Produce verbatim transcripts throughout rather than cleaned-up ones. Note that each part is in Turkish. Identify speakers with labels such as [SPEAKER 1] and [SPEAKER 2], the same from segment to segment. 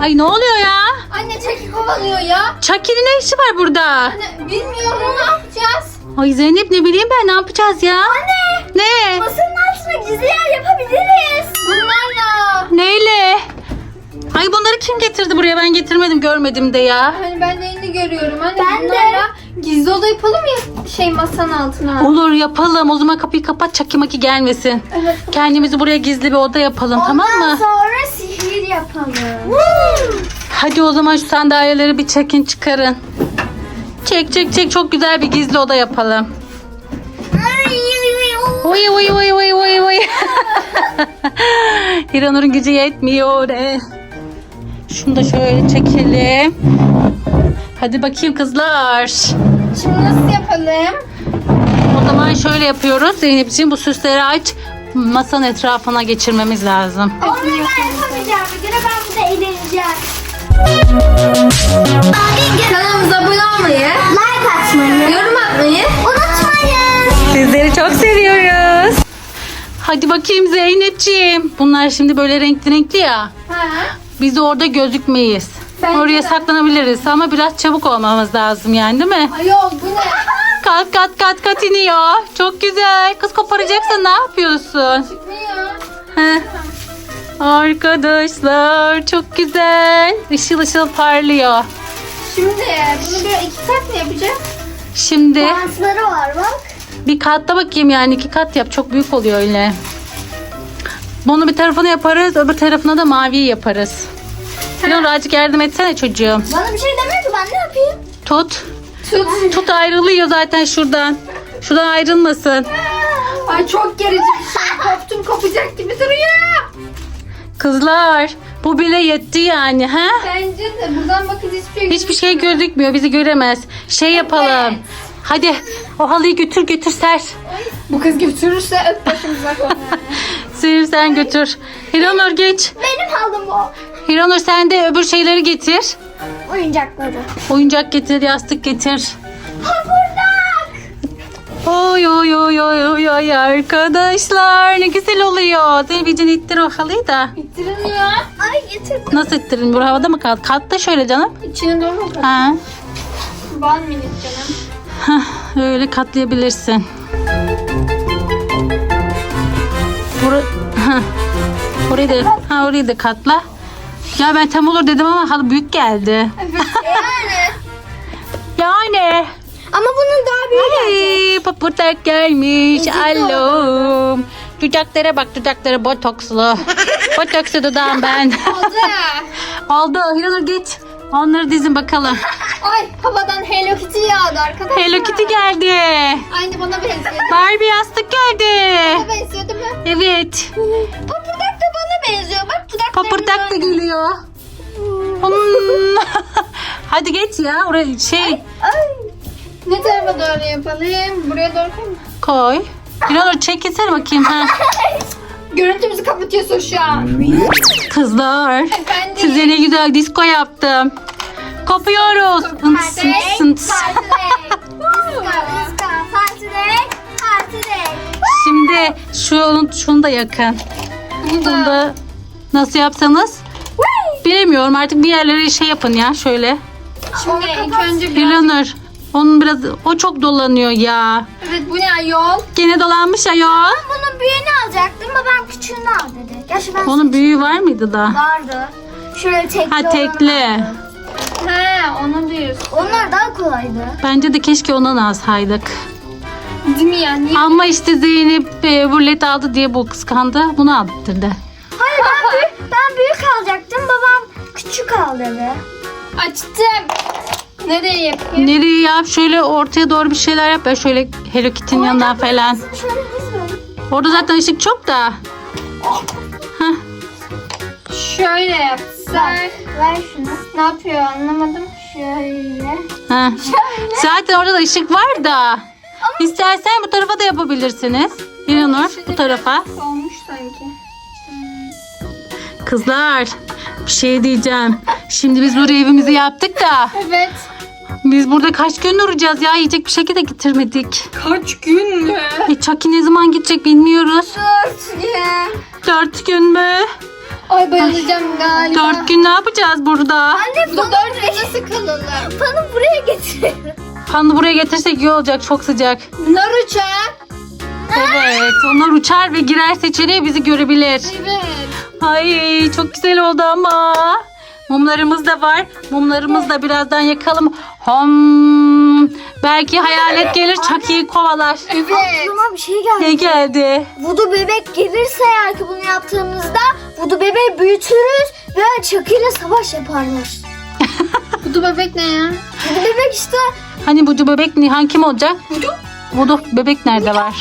[SPEAKER 1] Ay ne oluyor ya?
[SPEAKER 2] Anne Chucky kovalıyor ya.
[SPEAKER 1] Chucky'nin ne işi var burada?
[SPEAKER 2] Anne bilmiyorum, ne yapacağız?
[SPEAKER 1] Ay Zeynep ne bileyim ben, ne yapacağız ya?
[SPEAKER 2] Anne.
[SPEAKER 1] Ne?
[SPEAKER 2] Masanın altına gizli yer yapabiliriz. Bunlarla.
[SPEAKER 1] Neyle? Ay bunları kim getirdi buraya? Ben getirmedim, görmedim de ya.
[SPEAKER 2] Hani ben de yeni görüyorum. Anne ben bunlarla de. Gizli oda yapalım ya şey masanın altına.
[SPEAKER 1] Olur yapalım. O zaman kapıyı kapat, Chucky maki gelmesin.
[SPEAKER 2] Evet.
[SPEAKER 1] Kendimizi buraya gizli bir oda yapalım.
[SPEAKER 2] Ondan
[SPEAKER 1] tamam mı?
[SPEAKER 2] sonra sihir yapalım.
[SPEAKER 1] Hadi o zaman şu sandalyeleri bir çekin, çıkarın. Çek çek çek, çok güzel bir gizli oda yapalım. Oy oy oy oy oy oy. Hiranur'un gücü yetmiyor. E. Şunu da şöyle çekelim. Hadi bakayım kızlar.
[SPEAKER 2] Şimdi nasıl yapalım?
[SPEAKER 1] O zaman şöyle yapıyoruz. Zeynep'ciğim bu süsleri aç. Masanın etrafına geçirmemiz lazım.
[SPEAKER 2] Onu ben yapamayacağım. Bir kere ben burada eğleneceğim. Kanalımıza abone olmayı, like atmayı, yorum atmayı unutmayın.
[SPEAKER 1] Sizleri çok seviyoruz. Hadi bakayım Zeynep'ciğim. Bunlar şimdi böyle renkli renkli ya.
[SPEAKER 2] Ha?
[SPEAKER 1] Biz orada gözükmeyiz.
[SPEAKER 2] Bence
[SPEAKER 1] Oraya
[SPEAKER 2] de.
[SPEAKER 1] saklanabiliriz ama biraz çabuk olmamız lazım yani, değil mi?
[SPEAKER 2] Ayol bu ne?
[SPEAKER 1] Kat kat kat kat iniyor. Çok güzel. Kız koparacaksan ne yapıyorsun?
[SPEAKER 2] Çıkmıyor.
[SPEAKER 1] Heh. Arkadaşlar çok güzel. Işıl ışıl parlıyor.
[SPEAKER 2] Şimdi bunu böyle iki kat mı yapacağız?
[SPEAKER 1] Şimdi
[SPEAKER 2] Bantları var bak.
[SPEAKER 1] bir katta bakayım, yani iki kat yap. Çok büyük oluyor öyle. Bunu bir tarafına yaparız. Öbür tarafına da maviyi yaparız. Biraz azıcık yardım etsene çocuğum.
[SPEAKER 2] Bana bir şey demiyor ki, ben ne yapayım?
[SPEAKER 1] Tut.
[SPEAKER 2] Tut.
[SPEAKER 1] Tut, ayrılıyor zaten şuradan. Şuradan ayrılmasın.
[SPEAKER 2] Ay çok gerici bir şey. Koptum, kopacak gibi duruyor.
[SPEAKER 1] Kızlar bu bile yetti yani, ha?
[SPEAKER 2] Bence de buradan bakınca hiçbir şey
[SPEAKER 1] Hiçbir şey gözükmüyor, bizi göremez. Şey yapalım.
[SPEAKER 2] Evet.
[SPEAKER 1] Hadi o halıyı götür götür ser.
[SPEAKER 2] Bu kız götürürse öp başımıza koyar.
[SPEAKER 1] Sevim sen götür. Hiranur geç.
[SPEAKER 2] Benim halım o.
[SPEAKER 1] Hiranur sen de öbür şeyleri getir.
[SPEAKER 2] Oyuncakları.
[SPEAKER 1] Oyuncak getir, yastık getir.
[SPEAKER 2] Hamurdak.
[SPEAKER 1] Oy oy oy oy oy oy arkadaşlar, ne güzel oluyor. Zeynep'ciğim ittir o halıyı da.
[SPEAKER 2] İttirilmiyor. Ay getir.
[SPEAKER 1] Nasıl ittirin? Bu havada mı kaldı? Kalktı şöyle canım.
[SPEAKER 2] İçine doğru mu?
[SPEAKER 1] Ha.
[SPEAKER 2] Bal minik canım.
[SPEAKER 1] Hah, öyle katlayabilirsin. Bura... Hah. Orayı da, ha, orayı da katla. Ya ben tam olur dedim ama halı büyük geldi.
[SPEAKER 2] Evet yani.
[SPEAKER 1] Yani.
[SPEAKER 2] Ama bunun daha büyüğü gelecek.
[SPEAKER 1] Ay, paputak gelmiş.
[SPEAKER 2] Ezik
[SPEAKER 1] Alo. Dudaklara bak, dudaklara botokslu. Botokslu dudağım ben.
[SPEAKER 2] Oldu.
[SPEAKER 1] Oldu. Hiranur geç. Onları dizin bakalım.
[SPEAKER 2] Ay havadan Hello Kitty yağdı arkadaşlar.
[SPEAKER 1] Hello Kitty geldi.
[SPEAKER 2] Aynı bana benziyor.
[SPEAKER 1] Barbie yastık geldi.
[SPEAKER 2] Bana benziyor değil mi?
[SPEAKER 1] Evet.
[SPEAKER 2] Papırdak da bana benziyor. Bak dudaklarım.
[SPEAKER 1] Papırdak da geliyor. Hmm. Hadi geç ya. Oraya şey
[SPEAKER 2] Ay. Ne tarafa doğru yapalım? Buraya doğru koy mu?
[SPEAKER 1] koy. Hiranur çekilsene bakayım. Ha.
[SPEAKER 2] Görüntümüzü kapatıyorsun şu an.
[SPEAKER 1] Kızlar.
[SPEAKER 2] Efendim?
[SPEAKER 1] Size ne güzel disco yaptım. Kopuyoruz. Ints, ints, ints. Şimdi şunu, şunu da yakın. Bunu da nasıl yapsanız bilemiyorum, artık bir yerlere şey yapın ya şöyle.
[SPEAKER 2] Şimdi ilk önce biraz...
[SPEAKER 1] Hiranur, onun biraz, o çok dolanıyor ya.
[SPEAKER 2] Evet bu ne ayol?
[SPEAKER 1] Gene dolanmış ayol.
[SPEAKER 2] Bunun büyüğünü alacaktım ama ben küçüğünü al dedi. Gerçi ben
[SPEAKER 1] Onun büyüğü var mıydı da?
[SPEAKER 2] vardı. Şöyle tekli
[SPEAKER 1] Ha, tekli.
[SPEAKER 2] He onu diyorsun. Onlar daha kolaydı.
[SPEAKER 1] Bence de keşke ondan alsaydık.
[SPEAKER 2] Değil mi ya? Niye?
[SPEAKER 1] Ama işte Zeynep e, rulet aldı diye bu kıskandı. Bunu aldırdı.
[SPEAKER 2] Hayır ben büyük, ben büyük alacaktım. Babam küçük al dedi. Açtım. Nereye yapayım?
[SPEAKER 1] Nereye yap? Şöyle ortaya doğru bir şeyler yap. Ben şöyle Hello Kitty'nin yanından falan.
[SPEAKER 2] Şöyle dizme.
[SPEAKER 1] Orada zaten ışık çok da. Heh.
[SPEAKER 2] Şöyle yapsak. Ver, ver şunu. Ne yapıyor anlamadım. Şöyle.
[SPEAKER 1] Heh. Zaten orada da ışık var da. İstersen bu tarafa da yapabilirsiniz. Hiranur bu tarafa.
[SPEAKER 2] Olmuş sanki.
[SPEAKER 1] Kızlar bir şey diyeceğim. Şimdi biz buraya evimizi yaptık da.
[SPEAKER 2] Evet.
[SPEAKER 1] Biz burada kaç gün duracağız ya? Yiyecek bir şekilde getirmedik.
[SPEAKER 2] Kaç gün mü?
[SPEAKER 1] E, Chucky ne zaman gidecek bilmiyoruz.
[SPEAKER 2] Dört gün.
[SPEAKER 1] Dört gün mü?
[SPEAKER 2] Ay bayılacağım galiba.
[SPEAKER 1] Dört gün ne yapacağız burada?
[SPEAKER 2] Anne bu dört gün nasıl kalalım? Fanı buraya getir.
[SPEAKER 1] Fanı buraya getirsek iyi olacak, çok sıcak.
[SPEAKER 2] Bunlar uçar.
[SPEAKER 1] Evet, onlar uçar ve girer seçeneği bizi görebilir.
[SPEAKER 2] Evet.
[SPEAKER 1] Ay çok güzel oldu ama. Mumlarımız da var. Mumlarımızı da birazdan yakalım. Hom. Belki hayalet gelir, Chucky'yi kovalar.
[SPEAKER 2] Evet. Aklıma bir şey geldi.
[SPEAKER 1] Ne geldi?
[SPEAKER 2] Vudu bebek gelirse eğer ki bunu yaptığımızda Vudu bebeği büyütürüz ve Chucky ile savaş yaparlar. Vudu bebek ne ya? Vudu bebek işte.
[SPEAKER 1] Hani Vudu bebek Nihan kim olacak?
[SPEAKER 2] Vudu?
[SPEAKER 1] Vudu bebek nerede var?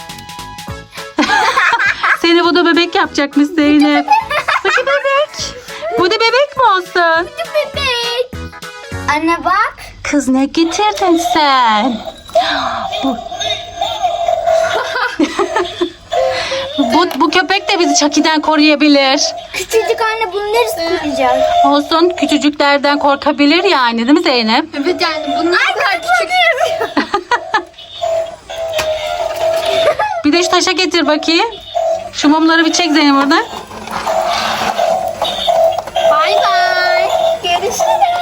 [SPEAKER 1] Seni Vudu bebek yapacakmış Zeynep. Vudu bebek. Vudu bebek mi olsun?
[SPEAKER 2] Vudu bebek. Anne bak.
[SPEAKER 1] Kız ne getirdin sen? Bu... bu, bu köpek de bizi Chucky'den koruyabilir.
[SPEAKER 2] Küçücük anne bunu neresi koruyacak?
[SPEAKER 1] Olsun, küçücüklerden korkabilir yani, değil mi Zeynep?
[SPEAKER 2] Evet yani bunlar kadar küçük.
[SPEAKER 1] Bir de şu taşa getir bakayım. Şu mumları bir çek Zeynep oradan.
[SPEAKER 2] Bay bay. Görüşürüz.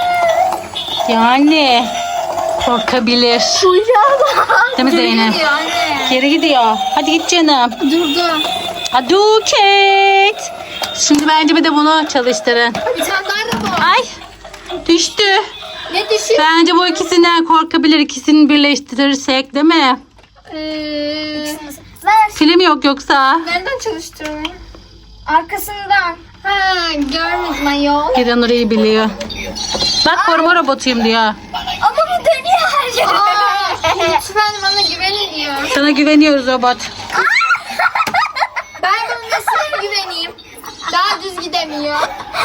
[SPEAKER 1] Yani korkabilir.
[SPEAKER 2] Kuyruğa bak.
[SPEAKER 1] Değil mi Zeynep?
[SPEAKER 2] Gidiyor anne.
[SPEAKER 1] Geri gidiyor. Hadi git canım.
[SPEAKER 2] Durdu.
[SPEAKER 1] Hadi Kate. Şimdi bence bir de bunu çalıştırın.
[SPEAKER 2] Bir tane daha da bu.
[SPEAKER 1] Ay düştü.
[SPEAKER 2] Ne düşün?
[SPEAKER 1] Bence bu ikisinden korkabilir. İkisini birleştirirsek, değil mi?
[SPEAKER 2] Ee, Ver.
[SPEAKER 1] Film yok yoksa.
[SPEAKER 2] Nereden çalıştırmayı? Arkasından. Ha görmedim ayol.
[SPEAKER 1] Giren orayı biliyor. Bak koruma robotuyum diyor.
[SPEAKER 2] Ama bu dönüyor her yere. Aa, lütfen bana güvenin diyor.
[SPEAKER 1] Sana güveniyoruz robot.
[SPEAKER 2] Ben bunun nesine güveneyim? Daha düz gidemiyor.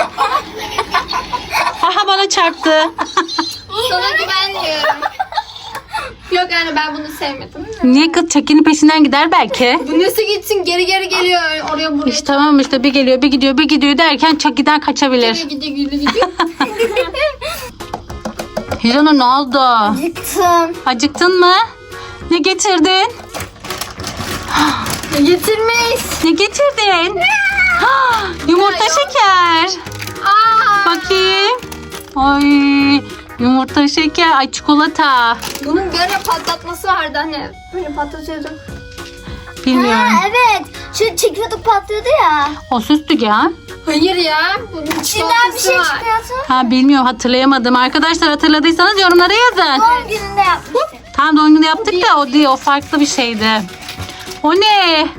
[SPEAKER 1] Aha bana çarptı.
[SPEAKER 2] Sana güvenmiyorum. Yok yani ben bunu sevmedim.
[SPEAKER 1] Niye kız Chucky'nin peşinden gider belki?
[SPEAKER 2] Bu nasıl gitsin geri geri geliyor oraya buraya.
[SPEAKER 1] İşte tamam işte bir geliyor bir gidiyor bir gidiyor derken Chucky'den kaçabilir.
[SPEAKER 2] Gidiyor gidiyor gidiyor.
[SPEAKER 1] Hiranur ne oldu?
[SPEAKER 2] Gittim.
[SPEAKER 1] Acıktın mı? Ne getirdin?
[SPEAKER 2] Getirmiş.
[SPEAKER 1] Ne getirdin? Yumurta şeker.
[SPEAKER 2] Aa.
[SPEAKER 1] Bakayım. Ay yumurta şeker. Ay çikolata.
[SPEAKER 2] Bunun böyle patlatması vardı hani. Böyle patlatıyorduk.
[SPEAKER 1] Bilmiyorum.
[SPEAKER 2] evet. Şu çekiyorduk patlıyordu ya.
[SPEAKER 1] O süslü ya.
[SPEAKER 2] Hayır ya. Bunun
[SPEAKER 3] İçinden bir şey çıkıyorsun.
[SPEAKER 1] Ha bilmiyorum hatırlayamadım. Arkadaşlar hatırladıysanız yorumlara yazın.
[SPEAKER 3] Doğum gününde yapmıştık.
[SPEAKER 1] Tam doğum günü yaptık da o değil, o farklı bir şeydi. O ne?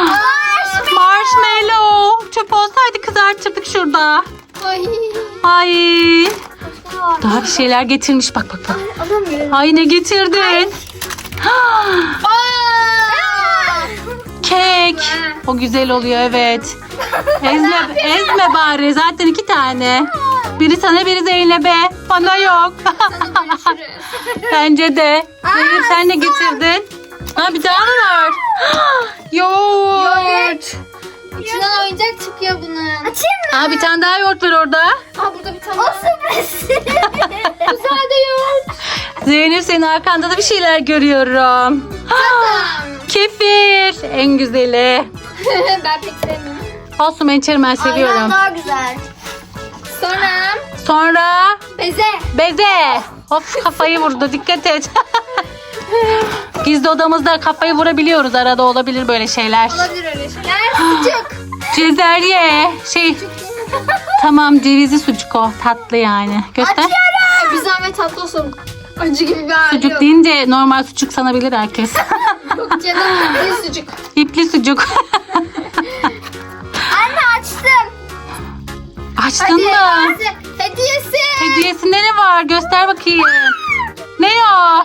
[SPEAKER 1] Marshmallow. Çöp olsaydı kızartırdık şurada.
[SPEAKER 2] Ay.
[SPEAKER 1] Ay. Daha bir şeyler getirmiş bak bak bak.
[SPEAKER 2] Alamıyorum.
[SPEAKER 1] Ay ne getirdin? Kek. O güzel oluyor evet. Ezme, ezme bari zaten iki tane. Biri sana biri Zeynep'e. Bana yok. Bence de. Zeynep sen ne getirdin? Ha bir tane var. Yoğurt.
[SPEAKER 2] İçinden oyuncak çıkıyor bunun.
[SPEAKER 3] Açayım mı?
[SPEAKER 1] Ha bir tane daha yoğurt var orada.
[SPEAKER 2] Aa burada bir tane
[SPEAKER 3] O
[SPEAKER 2] daha.
[SPEAKER 3] sürpriz.
[SPEAKER 2] Güzel de yoğurt.
[SPEAKER 1] Zeynep senin arkanda da bir şeyler görüyorum. Kefir. En güzeli.
[SPEAKER 2] Ben pek sevmiyorum.
[SPEAKER 1] Olsun ben içerim ben seviyorum.
[SPEAKER 3] Aynen daha güzel.
[SPEAKER 2] Sonra
[SPEAKER 1] Sonra
[SPEAKER 2] beze.
[SPEAKER 1] beze. Of kafayı vurdu dikkat et. Gizli odamızda kafayı vurabiliyoruz, arada olabilir böyle şeyler.
[SPEAKER 2] Olabilir öyle şeyler. Sucuk.
[SPEAKER 1] Cezerye şey tamam cevizli sucuk o, tatlı yani. Göster.
[SPEAKER 2] Ay, bir zahmet tatlı olsun. Acı gibi bir hali
[SPEAKER 1] Sucuk
[SPEAKER 2] yok.
[SPEAKER 1] deyince normal sucuk sanabilir herkes.
[SPEAKER 2] Yok canım bir sucuk.
[SPEAKER 1] İpli sucuk.
[SPEAKER 3] Anne açtım.
[SPEAKER 1] Açtın mı?
[SPEAKER 2] Hediyesi. Hediyesi.
[SPEAKER 1] Hediyesinde ne var? Göster bakayım. Ne o?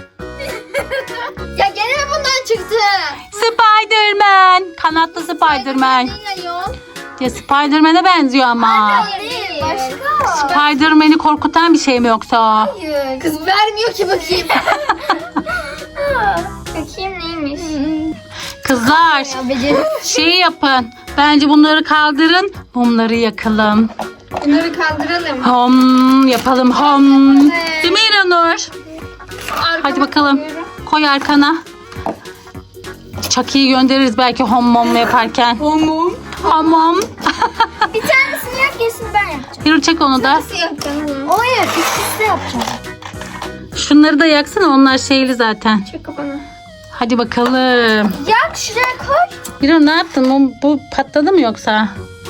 [SPEAKER 2] Ya gene mi bundan çıktı?
[SPEAKER 1] Spiderman. Kanatlı Spiderman.
[SPEAKER 2] Ne ayol?
[SPEAKER 1] Ya Spiderman'e benziyor ama.
[SPEAKER 2] Değil.
[SPEAKER 3] Başka.
[SPEAKER 1] Spiderman'i korkutan bir şey mi yoksa o?
[SPEAKER 2] Hayır. Kız vermiyor ki bakayım. Bakayım neymiş?
[SPEAKER 1] Kızlar şey yapın. Bence bunları kaldırın. Mumları yakalım.
[SPEAKER 2] Bunları kaldıralım.
[SPEAKER 1] Hom yapalım hom. Değil mi İranur?
[SPEAKER 2] Arkama
[SPEAKER 1] Hadi bakalım.
[SPEAKER 2] koyuyorum.
[SPEAKER 1] Koy arkana. Chucky'yi göndeririz belki hom mom yaparken.
[SPEAKER 2] Homum.
[SPEAKER 1] Hom mom.
[SPEAKER 2] bir tanesini yak, gerisini ben yapacağım.
[SPEAKER 1] Hiranur çek onu da.
[SPEAKER 3] Nasıl yapacaksın?
[SPEAKER 2] Hayır, ikisi de yapacağım.
[SPEAKER 1] Şunları da yaksana, onlar şeyli zaten.
[SPEAKER 3] Çek kafanı.
[SPEAKER 1] Hadi bakalım.
[SPEAKER 2] Yak, şuraya koy.
[SPEAKER 1] Hiranur ne yaptın? Bu, bu patladı mı yoksa?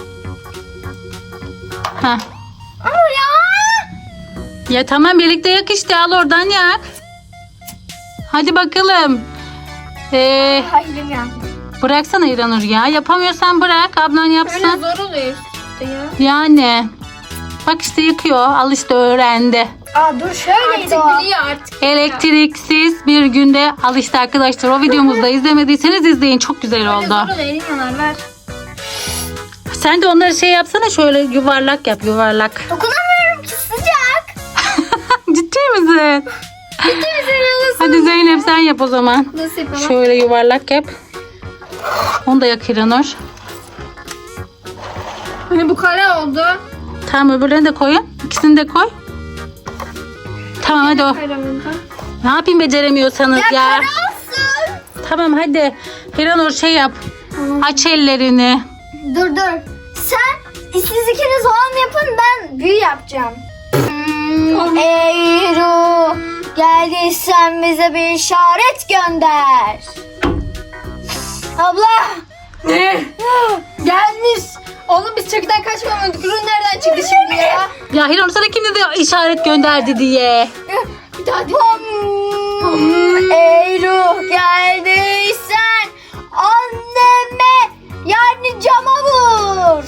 [SPEAKER 1] Ha.
[SPEAKER 2] Ama ya.
[SPEAKER 1] Ya tamam, birlikte yak işte, al oradan yak. Hadi bakalım. Ee,
[SPEAKER 2] Hayır ya.
[SPEAKER 1] bıraksana Hiranur ya. Yapamıyorsan bırak, ablan
[SPEAKER 3] Öyle
[SPEAKER 1] yapsın.
[SPEAKER 3] zor oluyor işte ya.
[SPEAKER 1] Yani. Bak işte yıkıyor. Al işte, öğrendi.
[SPEAKER 2] Aa dur, şöyleydi
[SPEAKER 3] Artık
[SPEAKER 2] o.
[SPEAKER 3] biliyor artık.
[SPEAKER 1] Elektriksiz bir günde al işte arkadaşlar. O videomuzu da izlemediyseniz izleyin. Çok güzel
[SPEAKER 3] Öyle
[SPEAKER 1] oldu.
[SPEAKER 3] zor oluyor. Elin yanar, ver.
[SPEAKER 1] Sen de onları şey yapsana, şöyle yuvarlak yap, yuvarlak.
[SPEAKER 2] Dokunamıyorum ki, sıcak.
[SPEAKER 1] Ciddi misin? Hadi Zeynep sen yap o zaman.
[SPEAKER 3] Nasıl yapalım?
[SPEAKER 1] Şöyle yuvarlak yap. Onu da yak Hiranur.
[SPEAKER 3] Hani bu kare oldu.
[SPEAKER 1] Tamam, öbürlerini de koyun. İkisini de koy. Tamam hadi o.
[SPEAKER 3] Kare oldu.
[SPEAKER 1] Ne yapayım beceremiyorsanız ya.
[SPEAKER 2] Kara olsun.
[SPEAKER 1] Tamam hadi. Hiranur şey yap. Aç ellerini.
[SPEAKER 2] Dur dur. Sen siz ikiniz olan yapın, ben büyü yapacağım. Hmm, ey ruh, geldiysen bize bir işaret gönder. Abla.
[SPEAKER 3] Ne? Gelmiş. Oğlum biz çakıdan kaçmamadık. Ürün nereden çıktı şimdi ya?
[SPEAKER 1] Ya Hiranur sana kim dedi işaret gönderdi diye.
[SPEAKER 3] Bir daha dinle.
[SPEAKER 2] Hmm, ey ruh, geldiysen anneme, yani cama vur.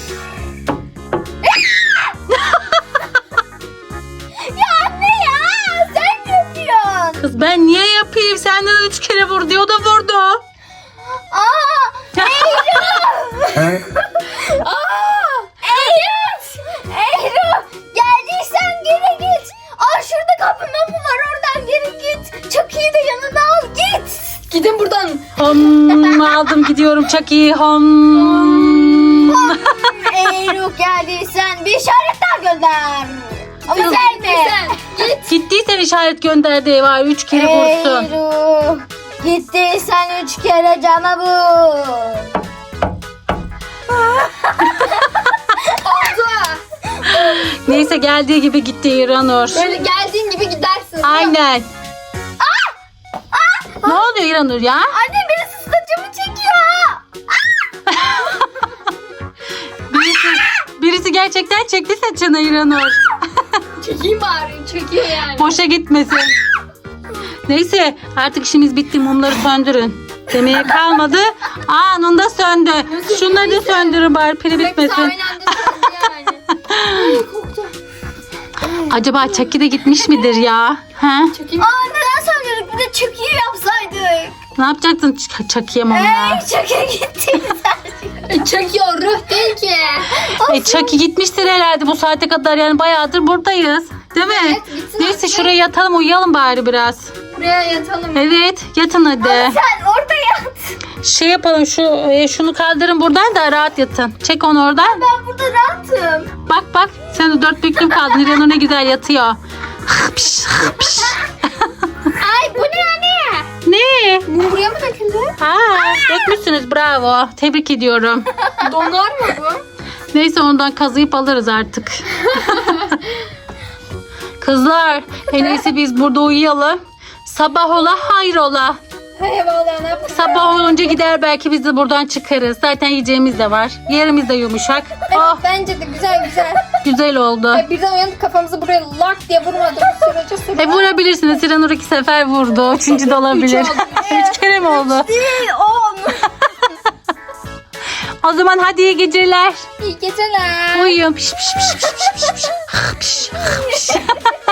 [SPEAKER 2] Ya anne ya, sen ne yapıyorsun?
[SPEAKER 1] Kız ben niye yapayım? Senden üç kere vur diyor, o da vurdu.
[SPEAKER 2] Aa, ey ruh. Aa, ey ruh. Ey ruh, geldiysen geri git. Aa, şurada kapı mapı var, oradan geri git. Çakıyı da yanına al, git.
[SPEAKER 3] Gidin buradan.
[SPEAKER 1] Hom, aldım gidiyorum Chucky. Hom.
[SPEAKER 2] Ey ruh, geldiysen bir işaret daha gönder. Ama sen mi?
[SPEAKER 3] Sen git.
[SPEAKER 1] Gittiysen işaret gönderdi var. Üç kere
[SPEAKER 2] Ey
[SPEAKER 1] vursun.
[SPEAKER 2] ruh, gittiysen üç kere cama vur.
[SPEAKER 3] Oldu.
[SPEAKER 1] Neyse geldiği gibi gitti İranur.
[SPEAKER 3] Böyle geldiğin gibi gidersin.
[SPEAKER 1] Aynen. Ne oluyor İranur ya?
[SPEAKER 2] Anne, birisi saçımı çekiyor.
[SPEAKER 1] Birisi, birisi gerçekten çekti saçını İranur.
[SPEAKER 3] Çekeyim bari. Çekiyor yani.
[SPEAKER 1] Boşa gitmesin. Neyse artık işimiz bitti. Mumları söndürün. Demeye kalmadı. Anında söndü. Şunları da söndürün bari, pili
[SPEAKER 3] Hepsi
[SPEAKER 1] bitmesin.
[SPEAKER 3] aynı anda söndü yani. Korktum.
[SPEAKER 1] Acaba Chucky de gitmiş midir ya? Ha?
[SPEAKER 3] Çekeyim.
[SPEAKER 2] Aa, neden söylüyorduk? Bir de çakıyı yapsaydık.
[SPEAKER 1] Ne yapacaktın Ç- Chucky'ye mumla?
[SPEAKER 2] Ey, çakı gitti.
[SPEAKER 3] E, çekiyor. Ruh değil ki.
[SPEAKER 1] E Chucky gitmiştir herhalde bu saate kadar, yani bayağıdır buradayız. Değil mi?
[SPEAKER 3] Evet, gitsin
[SPEAKER 1] Neyse
[SPEAKER 3] artık.
[SPEAKER 1] şuraya yatalım, uyuyalım bari biraz.
[SPEAKER 3] Buraya yatalım.
[SPEAKER 1] Evet yatın hadi.
[SPEAKER 2] Sen orada yat.
[SPEAKER 1] Şey yapalım, şu e, şunu kaldırın buradan da rahat yatın. Çek onu oradan.
[SPEAKER 2] Ben burada rahatım.
[SPEAKER 1] Bak bak sen de dört büklüm kaldın. İranur ne güzel yatıyor. Hıpş, hıpş.
[SPEAKER 2] Ay, bu ne anne?
[SPEAKER 1] Ne?
[SPEAKER 3] Bu buraya mı döküldü?
[SPEAKER 1] Aa, dökmüşsünüz, bravo. Tebrik ediyorum.
[SPEAKER 3] Donar mı bu?
[SPEAKER 1] Neyse ondan kazıyıp alırız artık. Kızlar en iyisi biz burada uyuyalım. Sabah ola hayrola.
[SPEAKER 3] Hey vallahi ne yapacağız?
[SPEAKER 1] Sabah olunca gider belki biz de buradan çıkarız. Zaten yiyeceğimiz de var. Yerimiz de yumuşak. Oh
[SPEAKER 3] Bence de güzel güzel.
[SPEAKER 1] güzel oldu.
[SPEAKER 3] E, birden uyanıp kafamızı buraya lak diye vurmadık sürece sürece.
[SPEAKER 1] E vurabilirsiniz. İranur iki sefer vurdu. Üçüncü de olabilir.
[SPEAKER 3] Üç oldu.
[SPEAKER 1] Üç kere mi oldu?
[SPEAKER 2] Değil, on.
[SPEAKER 1] O zaman hadi iyi geceler.
[SPEAKER 3] İyi geceler.
[SPEAKER 1] Uyuyun. Piş piş piş piş piş piş. Piş, piş.